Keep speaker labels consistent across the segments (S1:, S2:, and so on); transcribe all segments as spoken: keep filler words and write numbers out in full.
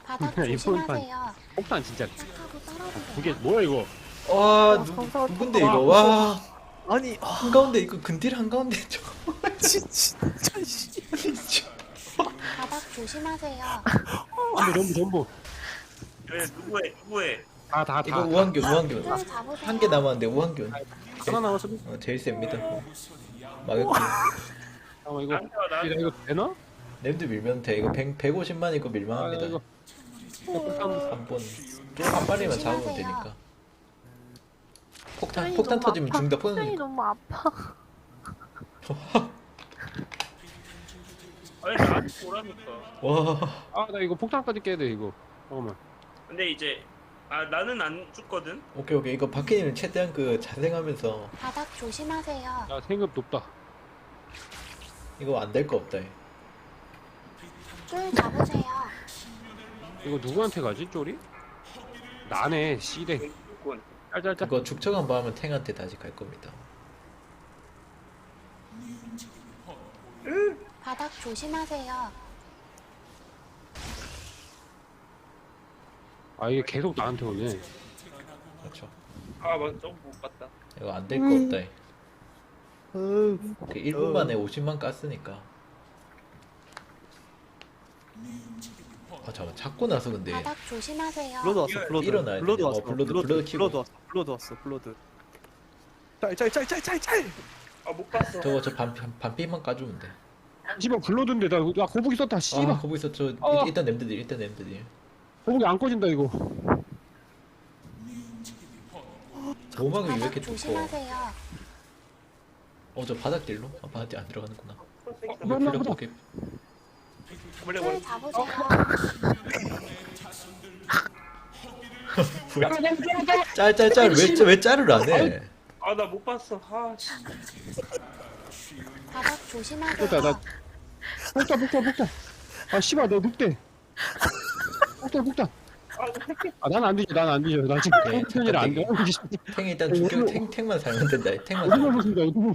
S1: 바닥
S2: 이번 판
S1: 조심하세요.
S2: 폭탄 진짜
S1: 착하고 떨어지세요.
S2: 그게 뭐야 이거?
S3: 와 누,
S4: 성사
S3: 누군데
S4: 아,
S3: 이거 와
S4: 아니 아,
S3: 한가운데 이거 근딜 한가운데 저
S4: 진- 진짜 씨.
S1: 바닥 조심하세요.
S2: 전부 전부 전부
S5: 왜 누구해 누구해
S2: 다다
S3: 이거
S2: 다.
S3: 우한균 우한균
S1: 끈 잡으세요.
S3: 한 개 남았는데 우한균
S2: 하나 남았어.
S3: 어, 제일 셉니다 마격균
S2: 잠깐만 이거
S5: 나한테 와 나한테
S2: 이거 되나?
S3: 램드 밀면 돼 이거 백, 백오십만 이거
S2: 아
S3: 밀만합니다
S2: 이거 폭탄
S3: 한번 한 마리만 잡으면
S1: 조심하세요.
S3: 되니까 폭탄
S4: 아니,
S3: 폭탄
S4: 너무
S3: 터지면
S4: 아파.
S3: 죽는다
S4: 표정이
S3: 폭탄
S4: 너무 아파.
S5: 아니 나한테 오라니까
S3: 와
S2: 아나 이거 폭탄까지 깨야 돼 이거. 잠깐만.
S5: 근데 이제 아 나는 안 죽거든
S3: 오케이 오케이 이거 박해님은 최대한 그 자생하면서
S1: 바닥 조심하세요.
S2: 야 생급 높다.
S3: 이거 안 될 거 없다
S1: 끈 잡으세요.
S2: 이거 누구한테 가지 쪼리? 나네 씨댕.
S5: 죽군
S2: 짤짤짤.
S3: 그거 죽척 한번 하면 탱한테 다시 갈 겁니다
S1: 바닥 조심하세요.
S2: 아 이게 계속 나한테 오네.
S3: 그렇죠
S5: 아 맞아 조금 못 봤다
S3: 이거 안 될 거 없다 오케이 일 분 만에 오십만 깠으니까 아 잠깐 잡고 나서 근데
S1: 바닥 조심하세요.
S4: 블러드 왔어. 블러드.
S3: 일어나야
S4: 블러드
S3: 돼.
S4: 왔어.
S3: 어, 블러드,
S4: 블러드,
S3: 블러드 키고.
S4: 블러드 왔어. 블러드 왔어. 블러드. 짤짤짤짤짤짤.
S5: 아 못 봤어
S3: 저거 저 반, 반, 반피만 까주면 돼
S2: 씨발 불러둔데 나, 나 거북이 썼다 씨발.
S3: 아, 거기서 저
S2: 어.
S3: 일단 냄새들 일단 냄새들
S2: 거북이 안 꺼진다 이거.
S3: 보호막이 왜
S1: 바닥
S3: 이렇게 좋고
S1: 조심하세요.
S3: 어 저 바닥딜로? 아 바닥딜 안 들어가는구나
S2: 어,
S3: 이거
S2: 맞나
S3: 필요
S2: 보다.
S3: 없게
S5: 원래
S1: 끈
S5: 원래
S1: 잡으세요.
S3: 짤짤짤 왜, 왜 짤을 안해
S5: 아나 못 봤어 아 씨.
S1: 바닥 조심하세요.
S2: 됐다 나 폭탄 폭탄 폭탄. 아 씨발 너 늑대. 폭탄 폭탄. 아 난 안 뒤져 난 안 뒤져 나 지금
S3: 네,
S2: 폭탄이라 안 돼.
S3: 탱 일단 죽여 탱, 탱만 살면 된다 탱만
S2: 어디가
S3: 살면,
S2: 무슨가 이거.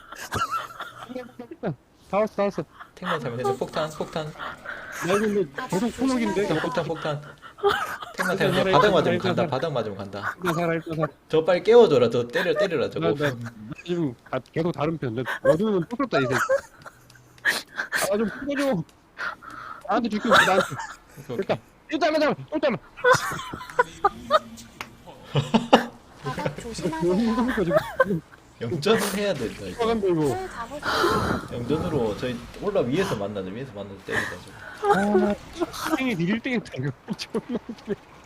S2: 다 왔어 다 왔어.
S3: 탱만 살면 된다 폭탄 폭탄
S2: 나 이거 근데 계속 초록인데.
S3: 폭탄 폭탄 폭탄 탱만 살면 된다 바닥 맞으면 간다 바닥 맞으면 간다
S2: 일단 살아 일단 살아.
S3: 저 빨리 깨워줘라 저 때려 때려라 저거
S2: 나, 나, 나 지금 다, 계속 다른 편. 나 어두우면 또 썼다 이 새끼. 아좀 풀어줘. 나한테 죽고 있어 나한테.
S3: 오케이,
S2: 됐다.
S3: 오케이.
S2: 일단 일단 일단.
S1: 바닥
S2: 너무
S1: 조심하세요.
S2: 힘들어 지금.
S3: 영전은 해야 된다 이거
S2: 들어간다 이거.
S1: 끈 잡으세요.
S3: 영전으로 저희 올라 위에서 만나자 위에서 만나서 때리자 저거
S2: 아, 땡이 일 등했다 이거. 존나 웃기네.